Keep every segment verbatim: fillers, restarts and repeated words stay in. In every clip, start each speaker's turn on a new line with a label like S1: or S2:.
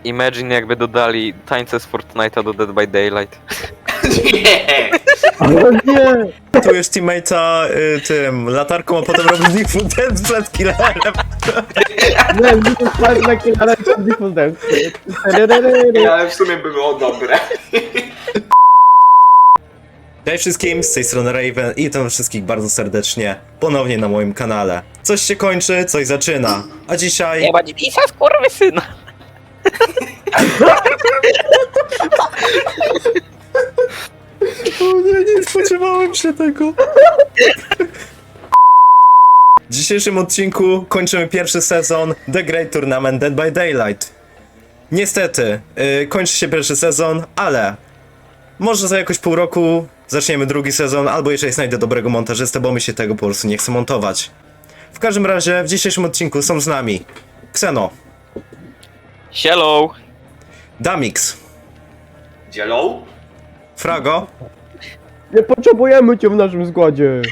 S1: Imagine jakby dodali tańce z Fortnite'a do Dead by Daylight.
S2: Nie!
S3: Ale nie!
S4: Tu już teammate'a y, tym latarką, a potem robisz default dance przed killerem.
S3: Nie, nie to jest na killerem default dance.
S2: Nie, ale w sumie było dobre.
S4: Cześć wszystkim, z tej strony Raven i witam wszystkich bardzo serdecznie ponownie na moim kanale. Coś się kończy, coś zaczyna, a dzisiaj...
S1: Nie ma Divisa, skurwysyna!
S4: O nie, nie spodziewałem się tego. W dzisiejszym odcinku kończymy pierwszy sezon The Great Tournament Dead by Daylight. Niestety, yy, kończy się pierwszy sezon, ale może za jakoś pół roku zaczniemy drugi sezon, albo jeżeli znajdę dobrego montażystę, bo mi się tego po prostu nie chce montować. W każdym razie w dzisiejszym odcinku są z nami Xeno,
S1: Hello!
S4: Damix,
S2: Dzielą?
S4: Frago
S3: Nie potrzebujemy cię w naszym składzie.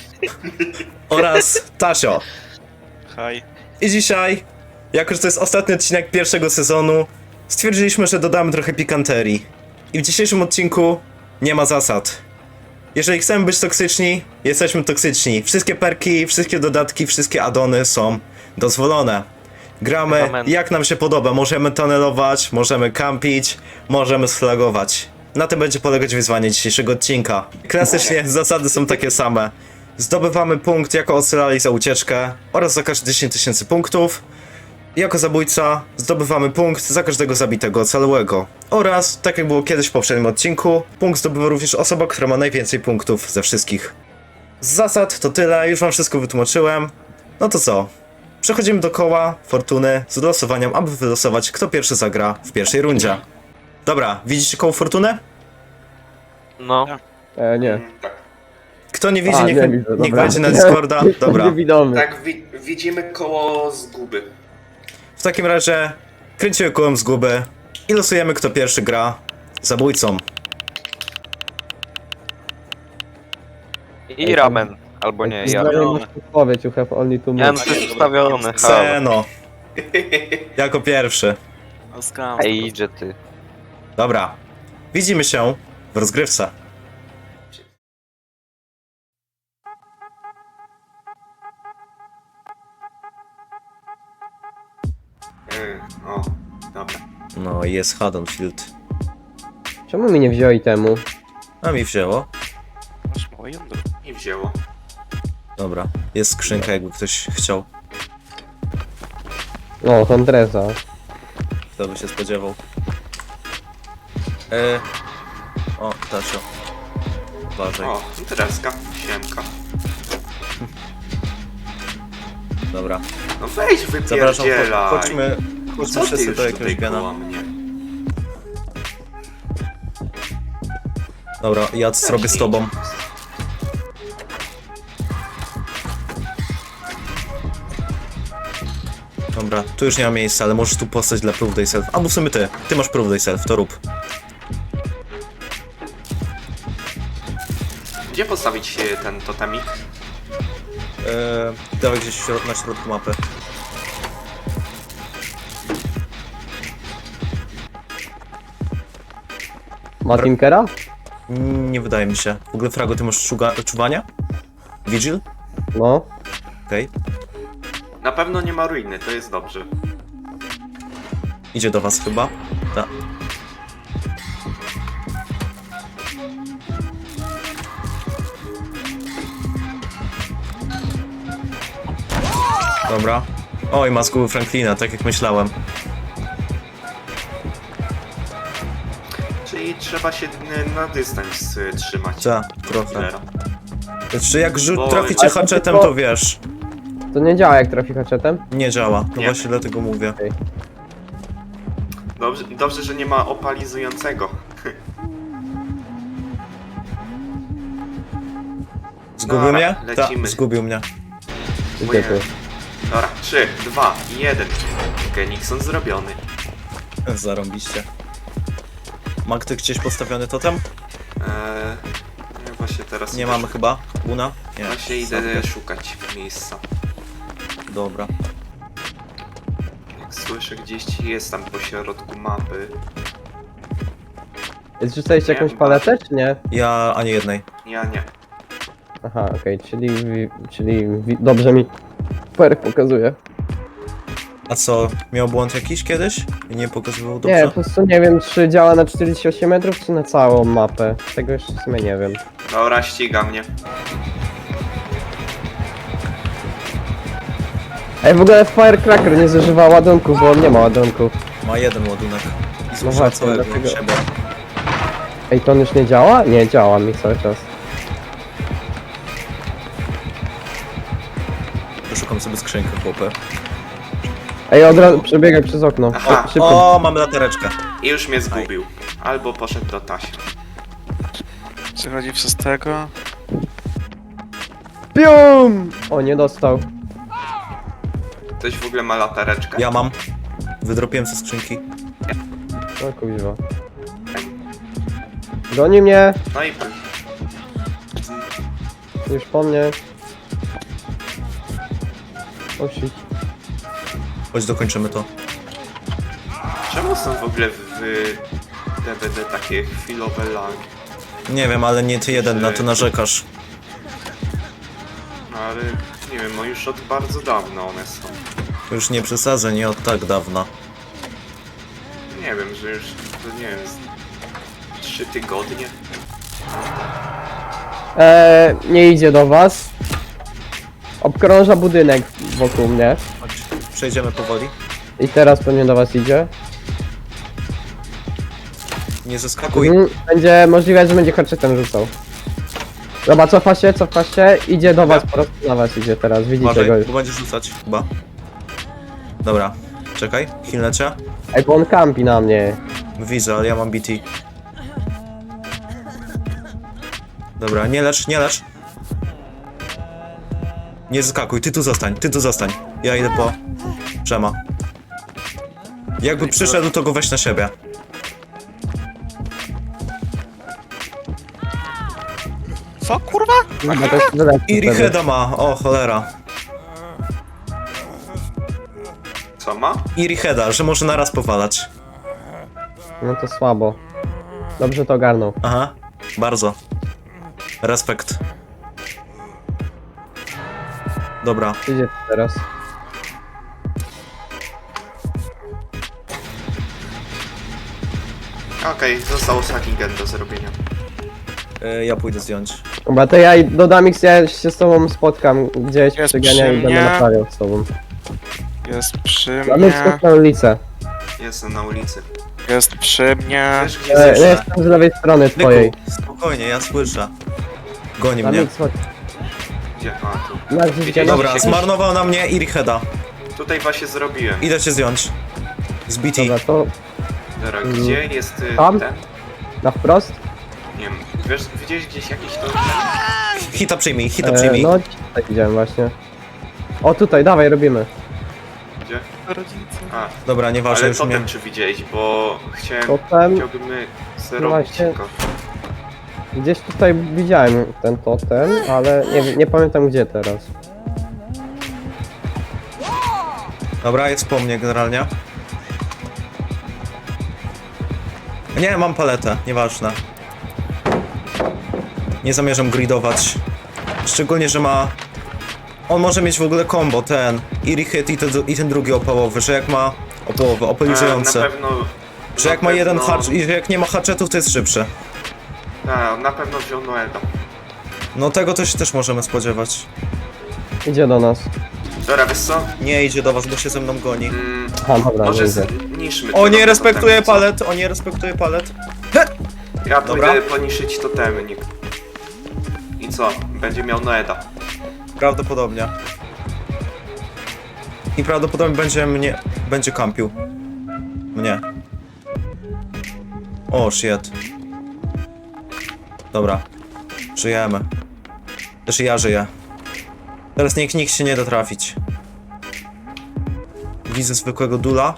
S4: oraz Tasio.
S1: Hi.
S4: I dzisiaj, jako że to jest ostatni odcinek pierwszego sezonu, stwierdziliśmy, że dodamy trochę pikanterii. I w dzisiejszym odcinku nie ma zasad. Jeżeli chcemy być toksyczni, jesteśmy toksyczni. Wszystkie perki, wszystkie dodatki, wszystkie addony są dozwolone. Gramy
S1: Amen.
S4: jak nam się podoba. Możemy tunelować, możemy campić, możemy sflagować. Na tym będzie polegać wyzwanie dzisiejszego odcinka. Klasycznie zasady są takie same. Zdobywamy punkt jako ocalali za ucieczkę oraz za każde dziesięć tysięcy punktów. Jako zabójca zdobywamy punkt za każdego zabitego ocalałego. Oraz, tak jak było kiedyś w poprzednim odcinku, punkt zdobywa również osoba, która ma najwięcej punktów ze wszystkich. Z zasad to tyle, już wam wszystko wytłumaczyłem. No to co? Przechodzimy do koła fortuny z losowaniem, aby wylosować, kto pierwszy zagra w pierwszej rundzie. Dobra, widzicie koło fortuny?
S1: No.
S3: E, nie.
S2: Mm, tak.
S4: Kto nie widzi,
S3: A,
S4: niech,
S3: nie widzę,
S4: niech
S3: dobra.
S4: wejdzie na Discorda. Dobra.
S3: Niewidomy.
S2: Tak, wi widzimy koło zguby.
S4: W takim razie kręcimy kołem zguby i losujemy, kto pierwszy gra zabójcą.
S1: I ramen. Albo nie, ja.
S3: Znajomość odpowiedź, you have only two
S1: Ja no
S3: minutes.
S1: to jest ustawiony, halo.
S4: Xeno. Jako pierwszy.
S1: Ej, idzie ty.
S4: Dobra. Widzimy się w rozgrywce.
S2: Yy, o, dobra.
S4: No i jest Haddonfield.
S3: Czemu mi nie wzięli temu?
S4: A mi wzięło.
S2: I wzięło.
S4: Dobra. Jest skrzynka, jakby ktoś chciał.
S3: O, Huntresa.
S4: Kto by się spodziewał. E... O, Tasio. Uważaj.
S2: O, Dreska, siemka.
S4: Dobra.
S2: No weź
S4: Zapraszam,
S2: wypierdzielaj.
S4: cho- chodźmy,
S2: Co
S4: chodźmy
S2: ty
S4: wszyscy
S2: już
S4: do jakiegoś
S2: tutaj
S4: gena.
S2: koło mnie?
S4: Dobra, ja zrobię z tobą. Dobra, tu już nie ma miejsca, ale możesz tu postać dla Proof Thyself. Albo w sumie ty, ty masz Proof Thyself, to rób.
S2: Gdzie postawić e, ten totemik?
S4: Eee, dawaj gdzieś w środ na środku mapy.
S3: Ma Tinkera?
S4: Mm, Nie wydaje mi się. W ogóle, Frago, ty masz czuga- czuwania? Vigil?
S3: No.
S4: Okej.
S2: Na pewno nie ma ruiny, to jest dobrze.
S4: Idzie do was chyba. Tak. Dobra. Oj, ma zguby Franklina, tak jak myślałem.
S2: Czyli trzeba się e, na dystans e, trzymać.
S4: Ta, trochę.
S2: Killera.
S4: Czy jak rzut
S2: Oj.
S4: trafi cię
S3: Ale
S4: haczetem,
S3: tylko-
S4: to wiesz.
S3: To nie działa jak trafi haczetem?
S4: Nie działa. No
S2: Nie.
S4: właśnie dlatego mówię.
S2: Dobrze, dobrze, że nie ma opalizującego.
S4: Zgubił
S2: Dobra,
S4: mnie? Tak,
S2: lecimy.
S4: zgubił mnie.
S3: Gdzie tu?
S2: Dobra, trzy, dwa, jeden. Genixon zrobiony.
S4: Zarąbiście. Ma ktoś gdzieś postawiony totem?
S2: Eee, ja właśnie teraz
S4: Nie
S2: idę
S4: mamy
S2: szukać.
S4: chyba. Una? Nie.
S2: Właśnie idę szukać miejsca.
S4: Dobra.
S2: Jak słyszę gdzieś, jest tam po środku mapy.
S3: Zrzucaliście jakąś
S2: Nie,
S3: paletę, czy nie?
S4: Ja ani jednej.
S2: Ja nie.
S3: Aha, okej, czyli, wi- czyli wi- dobrze mi perk pokazuje.
S4: A co, miał błąd jakiś kiedyś? I nie pokazywał dobrze?
S3: Nie, po prostu nie wiem, czy działa na czterdzieści osiem metrów, czy na całą mapę. Tego jeszcze w sumie nie wiem.
S2: Dobra, ściga mnie.
S3: Ej, w ogóle Firecracker nie zużywa ładunków, bo on nie ma ładunków.
S4: Ma jeden ładunek. I zużywa
S3: właśnie,
S4: całego
S3: dlatego-
S4: siebie.
S3: Ej, to on już nie działa? Nie, działa mi cały czas.
S4: Szukam sobie skrzynkę, chłopy.
S3: Ej, od razu przebiegaj przez okno.
S2: Aha.
S3: O, szybko.
S4: O, mam latareczkę.
S2: I już mnie zgubił. Albo poszedł do Tasia.
S5: Przechodzi przez tego.
S3: Pium! O, nie dostał.
S2: Ktoś w ogóle ma latareczkę?
S4: Ja mam. Wydropiłem ze skrzynki.
S3: O kuźwa. Goni mnie,
S2: No i
S3: już po mnie. O shit.
S4: Chodź, dokończymy to.
S2: czemu są w ogóle w D V D takie chwilowe lagi?
S4: Nie wiem, ale nie ty jeden na to narzekasz.
S2: No ale nie wiem, no już od bardzo dawna one są.
S4: Już nie przesadzę, nie od tak dawna.
S2: Nie wiem, że już, to nie wiem, z trzy tygodnie?
S3: Eee, nie idzie do was. Obkrąża budynek wokół mnie.
S4: Chodź, przejdziemy powoli.
S3: I teraz pewnie do was idzie.
S4: Nie zeskakuj.
S3: Mhm, będzie możliwe, że będzie harczetem rzucał. Dobra, cofa się, cofa się, idzie do was, po prostu na was idzie teraz, widzicie go
S4: Uważaj,
S3: już.
S4: bo będziesz rzucać, chyba. Dobra, czekaj, chwilę cię.
S3: Ej, bo on kampi na mnie.
S4: Widzę, ale ja mam B T. Dobra, nie lecz, nie lecz. Nie zeskakuj, ty tu zostań, ty tu zostań. Ja idę po Przema. Jakby przyszedł, to go weź na siebie.
S5: Co kurwa?
S3: Chyba to jest lepsze
S4: I
S3: wtedy.
S4: Richeda ma, o cholera.
S2: Co ma?
S4: I Richeda, że może naraz powalać.
S3: No to słabo. Dobrze to ogarnął.
S4: Aha, bardzo. Respekt. Dobra,
S3: Idzie teraz.
S2: Okej, został ostatni gen do zrobienia.
S4: y, ja pójdę zdjąć.
S3: Dobra, to ja i do Damix, ja się z tobą spotkam gdzieś
S5: Jest
S3: przy genie
S5: przy
S3: i będę
S5: mnie.
S3: naprawiał z tobą.
S5: Jest przy
S3: Damix
S5: mnie.
S3: jest na ulicę.
S2: Jestem na ulicy.
S5: Jest przy mnie.
S2: Wiesz gdzie
S3: E, ja
S2: słyszę?
S3: jestem z lewej strony twojej.
S4: Nyku, spokojnie, ja słyszę. Goni mnie.
S3: Damix, chodź.
S2: Gdzie? A, tu.
S3: Na gdzieś
S2: Widzicie?
S3: gdzie
S4: Dobra, zmarnował na mnie i Richeda.
S2: Tutaj właśnie zrobiłem.
S4: Idę cię zdjąć. Z B T.
S3: Dobra, to
S2: Dobra,
S3: Mm.
S2: gdzie jest y,
S3: Tam?
S2: ten?
S3: na wprost.
S2: Nie wiem, wiesz, widziałeś gdzieś jakiś to...
S4: Hita przyjmij, hita
S3: E,
S4: przyjmij.
S3: no, tak widziałem właśnie. O, tutaj, dawaj, robimy.
S2: Gdzie?
S5: Rodzice.
S2: A,
S4: Dobra, nieważne,
S2: ale
S4: już
S2: potem
S4: mnie.
S2: czy widziałeś, bo chciałem...
S3: Totem.
S2: Chciałbym zrobić
S3: właśnie.
S2: tylko.
S3: Gdzieś tutaj widziałem ten totem, ale nie, nie pamiętam gdzie teraz.
S4: Dobra, jest po mnie generalnie. Nie, mam paletę, nieważne. Nie zamierzam gridować. Szczególnie, że ma... On może mieć w ogóle combo, ten. I Richet i, ten- i ten drugi opałowy, że jak ma... Opałowy,
S2: A, na
S4: oponizujące.
S2: pewno...
S4: Że
S2: na
S4: jak ma jeden
S2: pewno-
S4: hacz i że jak nie ma hatchetów, to jest szybszy.
S2: A, na pewno wziął Noeda.
S4: No tego to się też możemy spodziewać.
S3: Idzie do nas.
S2: Dobra, wiesz co?
S4: Nie idzie do was, bo się ze mną goni.
S2: Mm,
S3: Aha, dobra,
S2: może
S3: widzę.
S2: zniszmy
S4: O,
S2: te
S4: nie respektuje
S2: totemy, co?
S4: palet, o nie respektuje palet.
S2: Ja
S4: Dobra.
S2: pójdę poniszyć totemy, nikt. I co? Będzie miał Noeda.
S4: Prawdopodobnie. I prawdopodobnie będzie mnie... będzie kampił. Mnie. O, shit. Dobra. Żyjemy. Też i ja żyję. Teraz nikt, nikt się nie da trafić. Widzę zwykłego dula.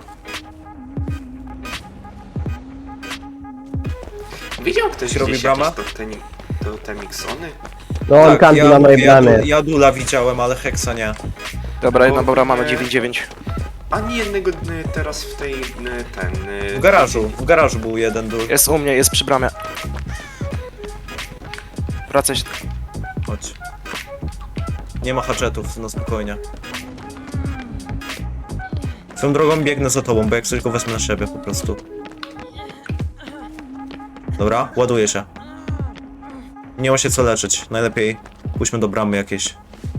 S2: Widział ktoś
S4: Robi
S2: gdzieś
S4: bramę?
S2: jakieś totemi, totemiksony?
S3: No on kampi
S4: ja,
S3: na mojej
S4: ja,
S3: bramie.
S4: du- ja dula widziałem, ale Hexa nie.
S5: Dobra, jedna
S2: O,
S5: dobra, mamy
S2: nie.
S5: dziewięć dziewięć.
S2: Ani jednego y, teraz w tej, y, ten... y,
S4: W garażu, w garażu był jeden duch.
S5: Jest u mnie, jest przy bramie. Wracaj się.
S4: Chodź. Nie ma hatchetów, no spokojnie. Swoją drogą biegnę za tobą, bo jak coś go wezmę na siebie po prostu. Dobra, ładuję się. Nie ma się co leczyć. Najlepiej pójdźmy do bramy jakiejś.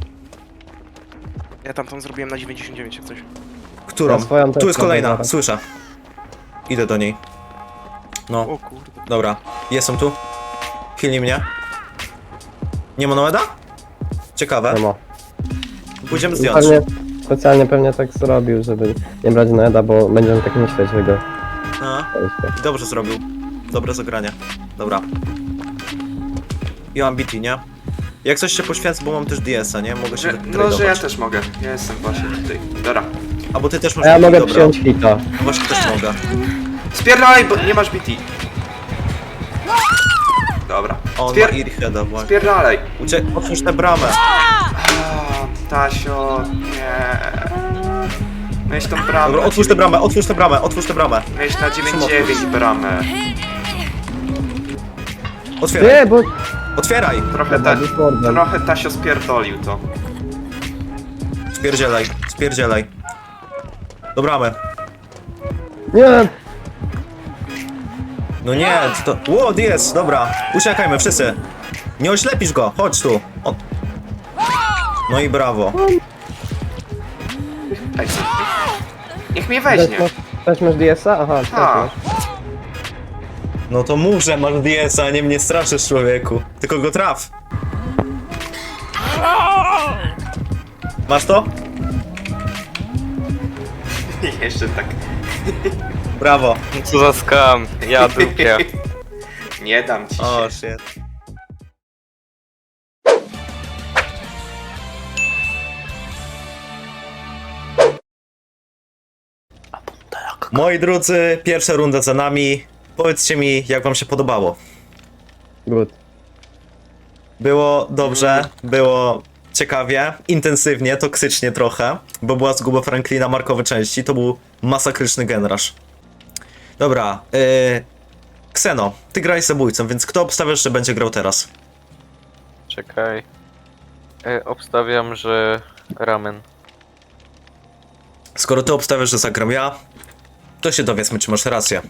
S5: Ja tam tą zrobiłem na dziewięćdziesiąt dziewięć jak coś.
S4: Którą?
S3: Ja swoją też
S4: Tu jest
S3: mam
S4: kolejna,
S3: zaraz.
S4: słyszę. Idę do niej. No,
S5: O kurde.
S4: dobra. Jestem tu. Chwilnij mnie. Nie ma Noeda? Ciekawe.
S3: Nie ma.
S4: Pójdziemy zdjąć.
S3: Pewnie, specjalnie pewnie tak zrobił, żeby nie brać Noeda, bo będziemy tak myśleć, że go...
S4: A, dobrze zrobił. Dobre zagranie. Dobra. Ja mam B T, nie? Jak coś się poświęcę, bo mam też D S a, nie? Mogę się
S2: Że, no, że ja
S4: wytradować.
S2: też mogę. Ja jestem właśnie tutaj. Dobra.
S4: A bo ty też
S3: A
S4: masz
S3: ja
S4: B T,
S3: mogę
S4: dobra.
S3: przyjąć hita.
S4: No właśnie też mogę.
S2: Spierdalaj, bo nie masz B T. Dobra.
S4: On ma
S2: Spier...
S4: Earheada właśnie.
S2: Spierdalaj.
S4: Ucie... Otwórz tę bramę.
S2: A, Tasio, nie. Miałeś tą bramę.
S4: Dobra, otwórz tę bramę, otwórz tę bramę, otwórz tę bramę.
S2: Miałeś na dziewięć dziewięć bramę.
S4: Otwieraj,
S3: Nie, bo...
S4: otwieraj.
S2: Trochę,
S3: Dobra,
S2: ta...
S3: Discordem.
S2: Trochę Tasio spierdolił to.
S4: Spierdzielaj, spierdzielaj. Do bramy.
S3: Nie!
S4: No nie, co to... Ło, D S, dobra. Uciekajmy, wszyscy. Nie oślepisz go, chodź tu. O. No i brawo.
S2: Ej, niech mnie
S3: Też
S2: weźmie.
S3: masz, też masz D S a? Aha, też
S2: A,
S3: masz.
S4: No to mów, że masz D S a, nie mnie straszysz, człowieku. Tylko go traf. Masz to?
S2: jeszcze tak.
S4: Brawo.
S1: Co za skam, ja dupię.
S2: Nie dam ci się.
S4: O, shit. Moi drodzy, pierwsza runda za nami. Powiedzcie mi, jak wam się podobało.
S3: Good.
S4: Było dobrze, było ciekawie, intensywnie, toksycznie trochę, bo była zguba Franklina markowe części, to był masakryczny genrasz. Dobra, yy... Kseno, ty graj zabójcą, więc kto obstawiasz, że będzie grał teraz?
S1: Czekaj. E, obstawiam, że ramen.
S4: Skoro ty obstawiasz, że zagram ja, to się dowiedzmy, czy masz rację.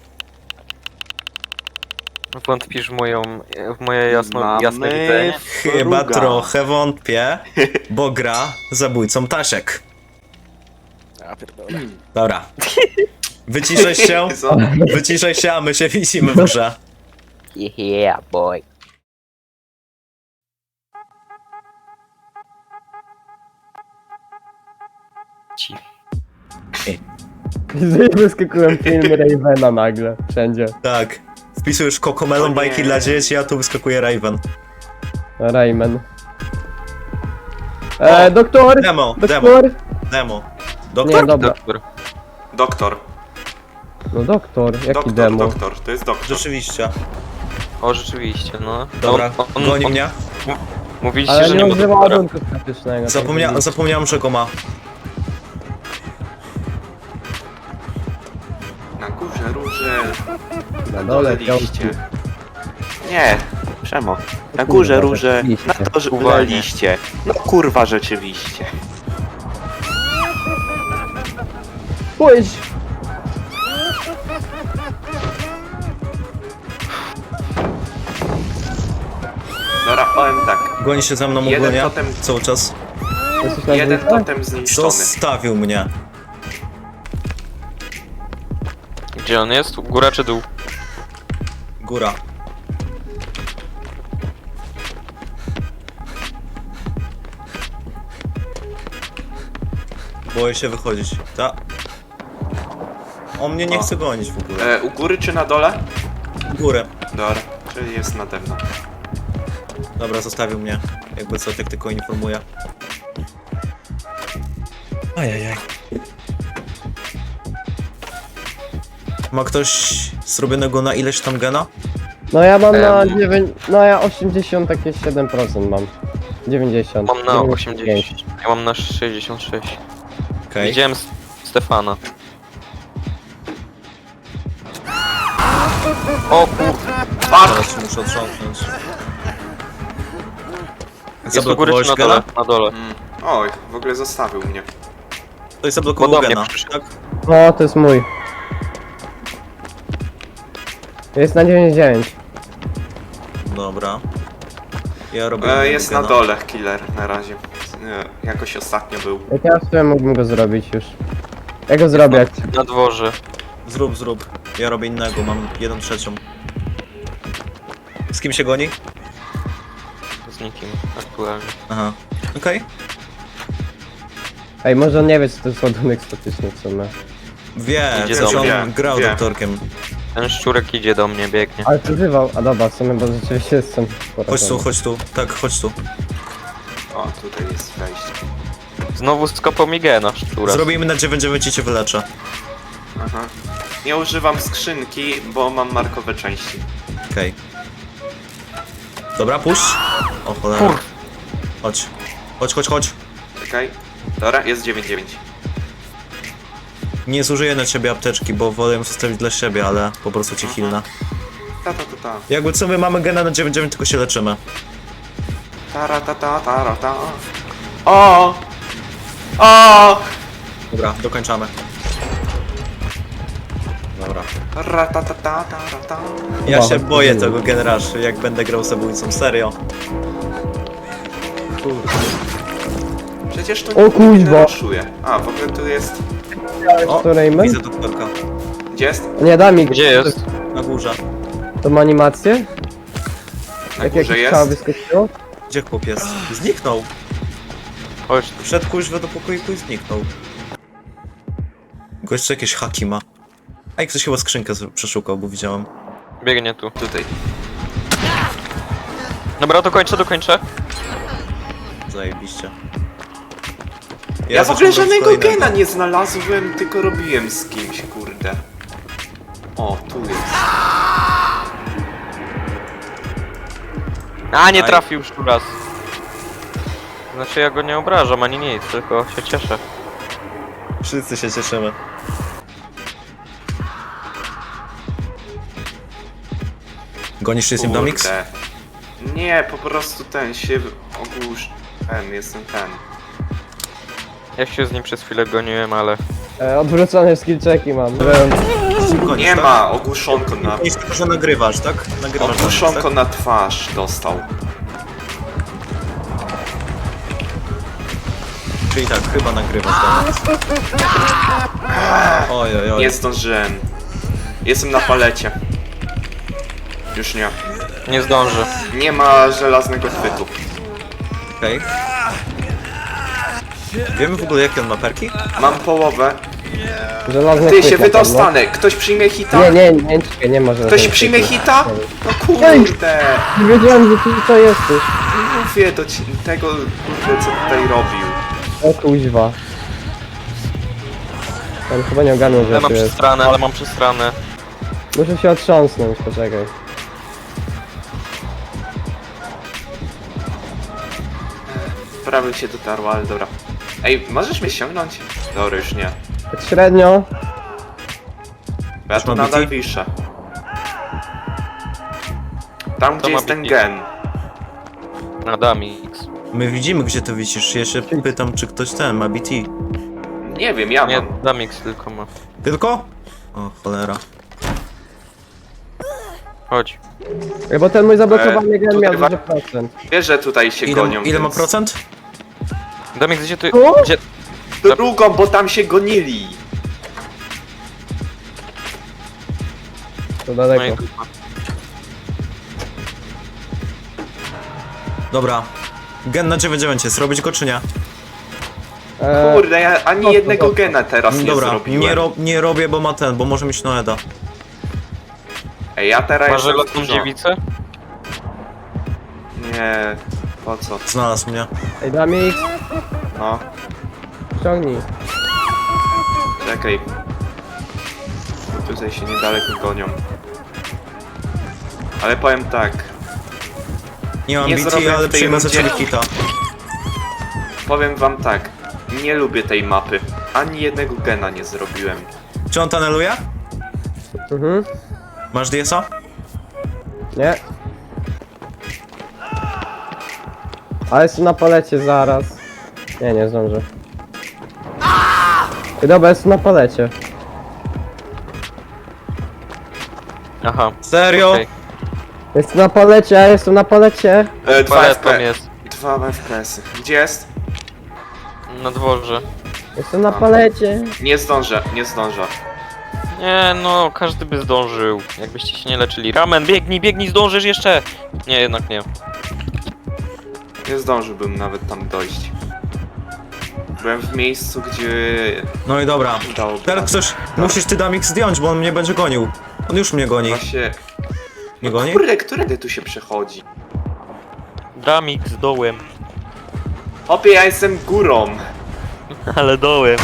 S1: Wątpisz w moją, w moje jasno,
S2: Mamy
S1: jasne widzenie?
S4: Chyba
S2: Fruga.
S4: trochę wątpię, bo gra zabójcą Tasiek.
S5: Ja pierdolę.
S4: Dobra. Wyciszaj się,
S2: Co?
S4: wyciszaj się, a my się widzimy w grze.
S1: Yeah, boy. Ci.
S3: Wyskakułem film Ravena nagle, wszędzie.
S4: Tak. Wpisujesz Cocomelon
S2: O nie.
S4: bajki dla dzieci, a tu wyskakuje Raven.
S3: Rayman. E, doktor!
S4: Demo, demo,
S3: Doktor!
S4: demo.
S3: Nie,
S4: Doktor?
S3: dobra.
S1: Doktor.
S2: Doktor.
S3: No doktor, jaki
S2: Doktor,
S3: demo?
S2: doktor. To jest doktor.
S4: Rzeczywiście.
S1: O, rzeczywiście, no.
S4: Dobra,
S1: On- on-
S4: goni
S1: on-
S4: mnie.
S1: Mówiliście,
S3: Ale
S1: że
S3: nie
S1: nie ma
S3: używa
S1: doktora.
S3: ładunku praktycznego.
S4: Zapomnia zapomniałem, że go ma.
S2: Na górze róże.
S3: Na dole
S2: liście.
S3: piątki.
S2: Nie, Przemo. Na
S3: Kurwa,
S2: górze róże,
S3: rzeczywiście.
S2: na to
S1: Uwalnie.
S2: liście. No kurwa, rzeczywiście.
S3: Pójdź!
S2: Dobra, powiem tak.
S4: Goni się za mną
S2: Jeden
S4: ogólnie.
S2: totem-
S4: Cały czas.
S3: Jesteś na
S2: Jeden
S3: dwójce?
S2: totem zniszczony.
S4: Zostawił mnie.
S1: Gdzie on jest? Góra czy dół?
S4: Góra. Boję się wychodzić. Ta. On mnie nie
S2: O.
S4: chce gonić w ogóle.
S2: E, u góry czy na dole?
S4: Górę.
S2: Dobra, czyli jest nade mną.
S4: Dobra, zostawił mnie. Jakby co, tak tylko informuję. Ajajaj. Ma ktoś zrobionego na ileś tam gena?
S3: No ja mam na
S1: Em.
S3: dziewięć... No ja osiemdziesiąt, takie siedem procent mam. dziewięćdziesiąt.
S1: Mam na
S3: dziewięćdziesiąt pięć.
S1: osiemdziesiąt. Ja mam na sześćdziesiąt sześć.
S4: Okej.
S1: Widziałem s- Stefana. O kur...
S4: Teraz muszę otrząsnąć.
S1: Jest u góry czy na dole? Na dole.
S2: Mm. Oj, w ogóle zostawił mnie.
S4: Ktoś zablokował
S1: Podobnie
S4: gena,
S1: przyszedł.
S4: tak?
S3: O, to jest mój. Jest na dziewięćdziesiąt dziewięć.
S4: Dobra. Ja robię...
S2: E, jest na
S4: gena.
S2: dole killer na razie. E, jakoś ostatnio był.
S3: Jak ja w sumie mógłbym go zrobić już. Ja go zrobię. jak-
S1: Na dworze.
S4: Zrób, zrób. Ja robię innego, mam jedną trzecią. Z kim się goni?
S1: Z nikim aktualnie.
S4: Aha. Okej.
S3: Ej, może on nie wie, co to jest ładunek statyczny w sumie.
S4: Wie,
S1: Idzie
S4: przecież
S2: do
S4: on
S2: mnie.
S4: grał
S2: Wie.
S4: doktorkiem.
S1: Ten szczurek idzie do mnie, biegnie.
S3: Ale przeżywał. A dobra, w sumie, bo rzeczywiście jestem
S4: Chodź tu, chodź tu. Tak, chodź tu.
S2: O, tutaj jest wejście.
S1: Znowu skopał mi gena szczura.
S4: Zrobimy na dziewięć dziewięć i cię wyleczę.
S2: Aha. Nie używam skrzynki, bo mam markowe części.
S4: Okej. Dobra, puść. O cholera.
S1: Kur-
S4: Chodź. Chodź, chodź, chodź.
S2: Czekaj. Dobra, jest dziewięć dziewięć.
S4: Nie zużyję na ciebie apteczki, bo wolę ją zostawić dla siebie, ale po prostu cię hilna.
S2: Ta ta ta ta.
S4: Jakby co, my mamy gena na dziewięć dziewięć, tylko się leczymy.
S2: Tara ta ta tara ta. O! O!
S4: Dobra, dokończamy. Dobra.
S2: Ra ta ta ta tara ta.
S4: Ja
S3: Wow,
S4: się
S3: to
S4: boję
S3: było.
S4: tego generaszy, jak będę grał zabójcą, serio. Kurde.
S2: Przecież to
S3: O
S2: nikt nie
S3: kuźwa.
S2: raszuje. A, w ogóle tu jest...
S4: O,
S3: której my?
S4: widzę doktorka.
S2: Gdzie jest?
S3: Nie, da mi.
S1: Gdzie jest?
S4: Na górze.
S3: To ma animację?
S2: Na
S3: Jak
S2: górze
S3: jakieś ciało
S2: jest?
S3: wyskoczyło?
S4: Gdzie chłop jest? Zniknął.
S1: Chodź tu.
S4: Wszedł kuźwa do pokoiku i zniknął. Gość jakieś haki ma. A i ktoś chyba skrzynkę z- przeszukał, bo widziałem.
S1: Biegnie tu.
S2: Tutaj.
S1: Dobra, dokończę, dokończę.
S4: Zajebiście.
S2: Ja, w ogóle
S4: zaciągam
S2: żadnego
S4: kolejnego.
S2: gena nie znalazłem, tylko robiłem z kimś, kurde. O, tu jest.
S1: A, nie
S4: Aj.
S1: trafił już tu raz. Znaczy ja go nie obrażam ani nic, tylko się cieszę.
S4: Wszyscy się cieszymy. Gonisz się z nim Domix?
S2: Kurde. Nie, po prostu ten się ogłusz... Ten, jestem ten.
S1: Ja się z nim przez chwilę goniłem, ale...
S3: E, odwrócone skill checki mam.
S4: Gonisz,
S2: Nie
S4: tak?
S2: ma, ogłuszonko na...
S4: Gonisz tylko, że nagrywasz, tak? Nagrywasz Domix,
S2: Ogłuszonko
S4: tak?
S2: na twarz dostał.
S4: Czyli tak, chyba nagrywasz Domix. Oj, oj, oj.
S2: Nie zdążyłem. Jestem na palecie. Już nie.
S1: Nie zdążę.
S2: Nie ma żelaznego chwytu.
S4: Okej. Wiemy w ogóle jakie on ma perki?
S2: Mam połowę.
S3: Żelazny
S2: Ty
S3: chwyt
S2: się
S3: na pewno.
S2: wydostanę. Ktoś przyjmie hita?
S3: Nie, nie, nie, nie, nie ma żelaznego
S2: Ktoś przyjmie
S3: chwytu.
S2: hita? No kurde.
S3: Nie wiedziałem, że ty to jesteś.
S2: Mówię do ci- tego, kurde, co tutaj robił.
S3: O kuźwa. Ten chyba nie ogarnął, że
S1: Ja mam
S3: tu jest.
S1: przestranę, ale mam przestranę.
S3: Muszę się otrząsnąć, poczekaj.
S2: Prawie się dotarło, ale dobra. Ej, możesz mnie ściągnąć? Dobra, już nie.
S3: Tak średnio.
S2: Bo ja tu
S4: ma
S2: nadal
S4: B T?
S2: wiszę. Tam, gdzie
S1: ma
S2: jest ten
S1: B T?
S2: gen.
S1: Adamix.
S4: My widzimy gdzie ty wisisz, ja się pytam czy ktoś ten ma B T.
S2: Nie wiem, ja
S1: Nie,
S2: mam.
S1: Adamix tylko ma.
S4: Tylko? O cholera.
S1: Chodź.
S3: Ej, bo ten mój zablokowany
S2: E,
S3: gen
S2: tutaj
S3: miał
S2: wa-
S3: dużo procent.
S2: Wiesz, że tutaj się
S4: Ile,
S2: gonią,
S4: ile ma
S2: więc...
S4: procent?
S1: Adamix, gdzie ty...
S3: O!
S1: Gdzie...
S2: Drugą, bo tam się gonili.
S3: To
S1: No i
S3: daleko.
S1: dupa.
S4: Dobra. Gen na dziewięć dziewięć jest, robić go czy nie?
S3: E,
S2: Kurde, ja ani
S3: Dobrze,
S2: jednego
S3: dobrze.
S2: gena teraz nie
S4: Dobra,
S2: zrobiłem.
S4: nie, ro nie robię, bo ma ten, bo może mieć Noeda.
S2: Ej, ja teraz
S1: Masz
S2: jestem
S1: żelazną
S2: dużo.
S1: dziewicę?
S2: Nie, po co?
S4: Znalazł mnie.
S3: Ej, Damix,
S2: No,
S3: ściągnij.
S2: czekaj. Tutaj się niedaleko gonią. Ale powiem tak,
S4: Nie mam
S2: Nie
S4: B T,
S2: zrobię
S4: ale
S2: w tej
S4: przyjmę za
S2: rundzie.
S4: ciebie hita.
S2: powiem wam tak. Nie lubię tej mapy. ani jednego gena nie zrobiłem.
S4: Czy on tuneluje?
S3: Mhm.
S4: Masz D S a?
S3: Nie. Ale jest na palecie zaraz. Nie, nie zdążę. I dobra, jest na palecie.
S1: Aha.
S4: Serio?
S1: Okej.
S3: Jest na palecie, ja jestem na palecie.
S2: E, dwa
S1: Paletą
S2: F P.
S1: jest.
S2: Dwa F P S-y. Gdzie jest?
S1: Na dworze.
S3: Jestem na palecie.
S2: Nie zdążę, nie zdążę.
S1: Nie no, każdy by zdążył. Jakbyście się nie leczyli. Ramen, biegnij, biegnij, zdążysz jeszcze! Nie, jednak nie.
S2: Nie zdążyłbym nawet tam dojść. Byłem w miejscu, gdzie...
S4: No i dobra.
S2: Dałoby
S4: Teraz ktoś, musisz ty Damik zdjąć, bo on mnie będzie gonił. On już mnie goni.
S2: Właśnie...
S4: Nie goni?
S2: Kurde, którędy tu się przechodzi?
S1: Dramik z dołem.
S2: Hopie, ja jestem górą.
S1: Ale dołem.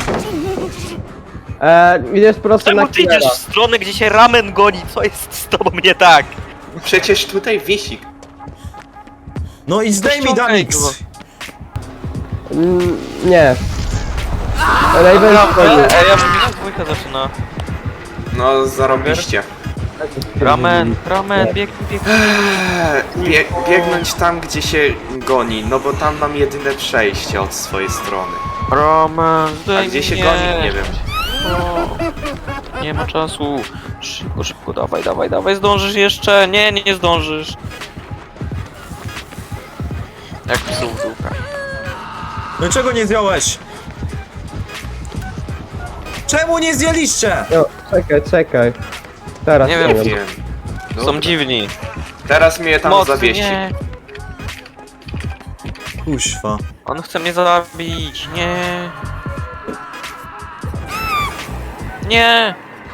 S3: Eee, idziesz prosto na
S1: Czemu ty idziesz
S3: killera.
S1: w stronę, gdzie się ramen goni? Co jest z tobą nie tak?
S2: Przecież tutaj wiesik.
S4: No i zdejmij
S1: ściągaj
S4: Damix!
S1: go.
S3: Mm, nie. Raven wchodzi.
S1: Ej, ja bym mi się dwójka zaczyna.
S2: No, zarobiście.
S1: Ramen, ramen, biegnij, biegnij.
S2: Eee, Bie biegnąć tam, gdzie się goni, no bo tam mam jedyne przejście od swojej strony.
S1: Ramen,
S2: A
S1: zdejmij
S2: gdzie się
S1: mnie.
S2: goni? Nie wiem.
S1: O, nie ma czasu. Szybko, szybko, dawaj, dawaj, dawaj, zdążysz jeszcze. Nie, nie, nie zdążysz. Jak psu w dółka.
S4: No czego nie zdjąłeś? Czemu nie zdjęliście?
S3: No, czekaj, czekaj. Teraz
S1: Nie
S3: nie
S1: wiem,
S3: wiem.
S2: Wiem.
S1: Są
S2: Dobra.
S1: dziwni.
S2: Teraz mnie tam
S1: Mocny,
S2: zawiesi.
S1: nie.
S4: Kuźwa.
S1: On chce mnie zabić, nie. Nie.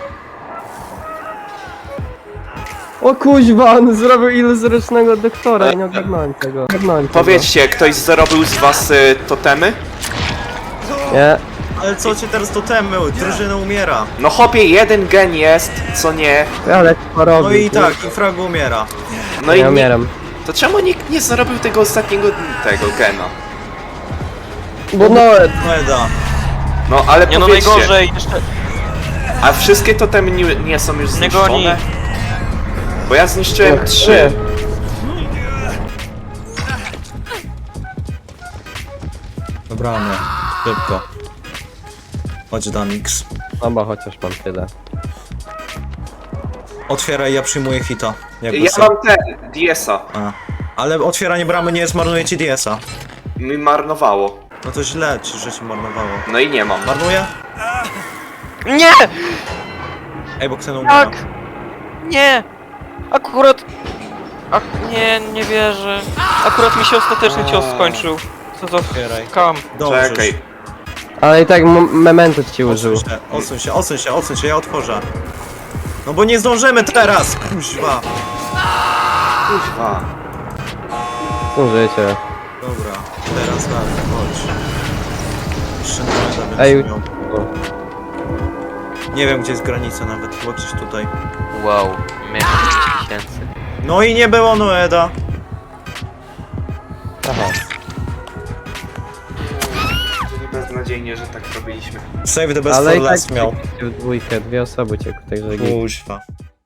S3: O kuźwa, on zrobił iluzorycznego doktora i nie ogarnąłem tego. Ogarnąłem tego.
S2: Powiedzcie, ktoś zrobił z was y, totemy?
S3: Nie.
S4: Ale co cię teraz totemy? Drużyna umiera.
S2: No hopie, jeden gen jest, co nie.
S3: Ale to robi.
S4: No i tak, i Frag umiera.
S2: No i
S3: Ja
S2: ni-
S3: umieram.
S2: to czemu nikt nie zrobił tego ostatniego tego gena?
S3: Bo no,
S4: Meda.
S2: No ale
S1: Nie no,
S2: powiedzcie,
S1: najgorzej. Jeszcze
S2: a wszystkie totemy nie, nie są już
S1: nie goni.
S2: zniszczone? Bo ja zniszczyłem
S3: Och,
S2: trzy.
S4: Dobra, nie. Szybko. Chodź Damix.
S3: Dobra, chociaż mam tyle.
S4: Otwieraj, ja przyjmuję hita. Jakby
S2: Ja
S4: co.
S2: mam ten, D S a.
S4: A. Ale otwieranie bramy nie zmarnuje ci D S a.
S2: Mi marnowało.
S4: No to źle ci, że ci marnowało.
S2: No i nie mam.
S4: Marnuje?
S1: Nie!
S4: Ej, bo Xeno umiera.
S1: Tak! Nie! Akurat... A, nie, nie wierzę. Akurat mi się ostateczny cios skończył. Co za
S4: Otwieraj.
S1: kam.
S4: Dobrze.
S2: Czekaj.
S3: Ale i tak m- memento ci użył.
S4: Odsuń się, odsuń się, odsuń się, odsuń się, ja otworzę. No bo nie zdążymy teraz! Kuźwa.
S2: Kuźwa.
S3: Użyjcie.
S4: Dobra, teraz tak, chodź. Jeszcze nawet
S3: Ej.
S4: będę miał. Nie wiem gdzie jest granica nawet, chyba gdzieś tutaj.
S1: Wow, miałem pięć tysięcy.
S4: No i nie było Noeda.
S3: Aha.
S2: Beznadziejnie, że tak robiliśmy.
S4: Save the best
S3: Ale
S4: for
S3: i tak
S4: last miał.
S3: w dwójkę, dwie osoby ciekły, także git.
S4: Kuźwa.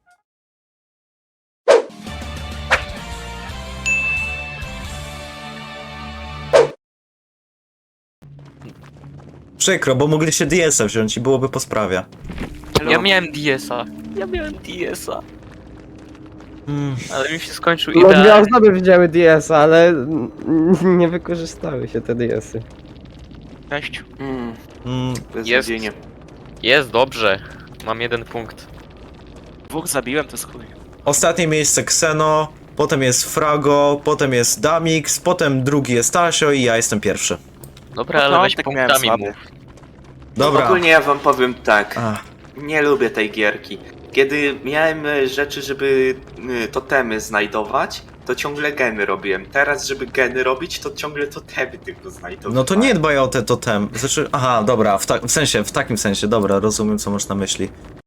S4: Przykro, bo mogliście D S a wziąć i byłoby po sprawie.
S1: Ja miałem D S a. Ja miałem D S a.
S4: Mm.
S1: Ale mi się skończył
S3: No dwie
S1: idealnie.
S3: osoby wzięły D S, ale n- nie wykorzystały się te D S y.
S1: Cześć.
S2: Mm,
S4: Mm.
S2: beznadziejnie.
S1: Jest dobrze. Mam jeden punkt.
S5: Dwóch zabiłem, to jest chuj.
S4: Ostatnie miejsce Xeno, potem jest Frago, potem jest Damix, potem drugi jest Tasio i ja jestem pierwszy.
S1: Dobra, ale weź
S5: Początek miałem
S1: punktami
S5: słaby.
S1: mów.
S4: Dobra.
S2: Ogólnie ja wam powiem tak.
S4: Ach,
S2: Nie lubię tej gierki. Kiedy miałem e, rzeczy, żeby e, totemy znajdować, to ciągle geny robiłem. Teraz, żeby geny robić, to ciągle totemy tylko znajdowałem.
S4: no to nie dbaj o te totem. Znaczy, aha, dobra, w, ta w sensie, w takim sensie, dobra, rozumiem co masz na myśli.